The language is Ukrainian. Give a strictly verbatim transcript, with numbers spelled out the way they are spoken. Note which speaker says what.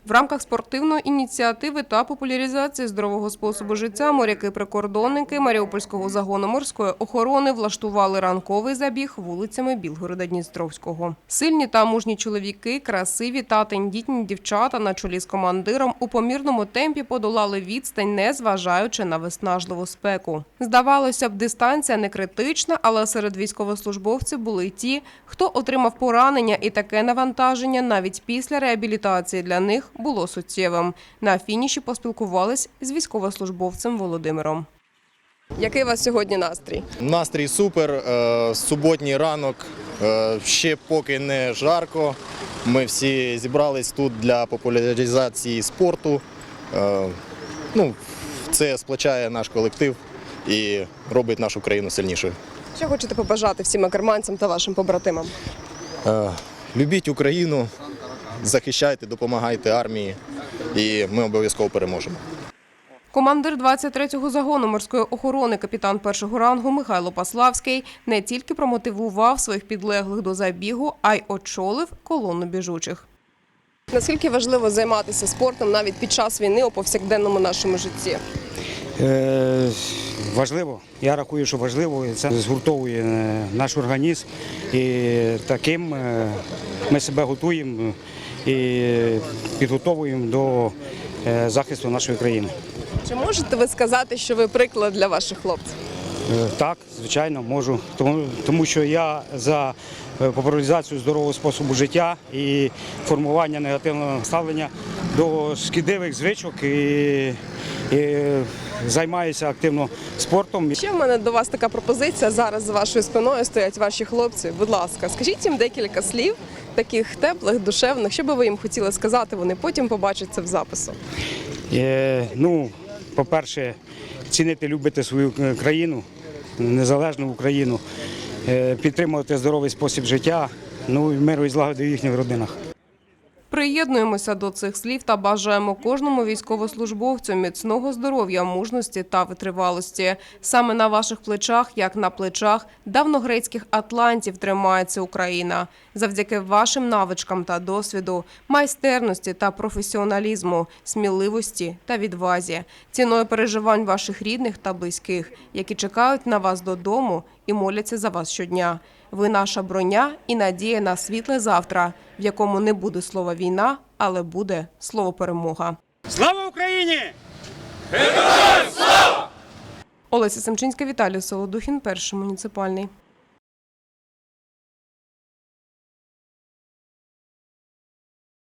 Speaker 1: В рамках спортивної ініціативи та популяризації здорового способу життя моряки-прикордонники Маріупольського загону морської охорони влаштували ранковий забіг вулицями Білгорода-Дністровського. Сильні та мужні чоловіки, красиві та тендітні дівчата на чолі з командиром у помірному темпі подолали відстань, не зважаючи на виснажливу спеку. Здавалося б, дистанція не критична, але серед військовослужбовців були ті, хто отримав поранення, і таке навантаження навіть після реабілітації для них було суттєвим. На фініші поспілкувались з військовослужбовцем Володимиром. Який у вас сьогодні настрій?
Speaker 2: Настрій супер, суботній ранок, ще поки не жарко. Ми всі зібрались тут для популяризації спорту. Ну, це сплачає наш колектив і робить нашу країну сильнішою.
Speaker 1: Що хочете побажати всім акерманцям та вашим побратимам?
Speaker 2: Любіть Україну, захищайте, допомагайте армії, і ми обов'язково переможемо.
Speaker 1: Командир двадцять третього загону морської охорони, капітан першого рангу Михайло Паславський не тільки промотивував своїх підлеглих до забігу, а й очолив колону біжучих. Наскільки важливо займатися спортом навіть під час війни у повсякденному нашому житті?
Speaker 3: Е, важливо. Я рахую, що важливо. Це згуртовує наш організм. І таким ми себе готуємо і підготовуємо до захисту нашої країни.
Speaker 1: Чи можете ви сказати, що ви приклад для ваших хлопців?
Speaker 3: Так, звичайно, можу. Тому, тому що я за популяризацію здорового способу життя і формування негативного ставлення до шкідливих звичок і, і займаюся активно спортом.
Speaker 1: Ще в мене до вас така пропозиція. Зараз за вашою спиною стоять ваші хлопці. Будь ласка, скажіть їм декілька слів, таких теплих, душевних. Що би ви їм хотіли сказати, вони потім побачать це в запису.
Speaker 3: Е, ну, по-перше, цінити, любити свою країну, незалежну Україну, е, підтримувати здоровий спосіб життя, ну і миру і злагоди в їхніх родинах.
Speaker 1: Приєднуємося до цих слів та бажаємо кожному військовослужбовцю міцного здоров'я, мужності та витривалості. Саме на ваших плечах, як на плечах давньогрецьких атлантів, тримається Україна. Завдяки вашим навичкам та досвіду, майстерності та професіоналізму, сміливості та відвазі, ціною переживань ваших рідних та близьких, які чекають на вас додому і моляться за вас щодня. Ви наша броня і надія на світле завтра, в якому не буде слова «війна», але буде слово «перемога».
Speaker 3: Слава Україні!
Speaker 1: Героям слава! Олеся Семчинська, Віталій Солодухін, Перший муніципальний.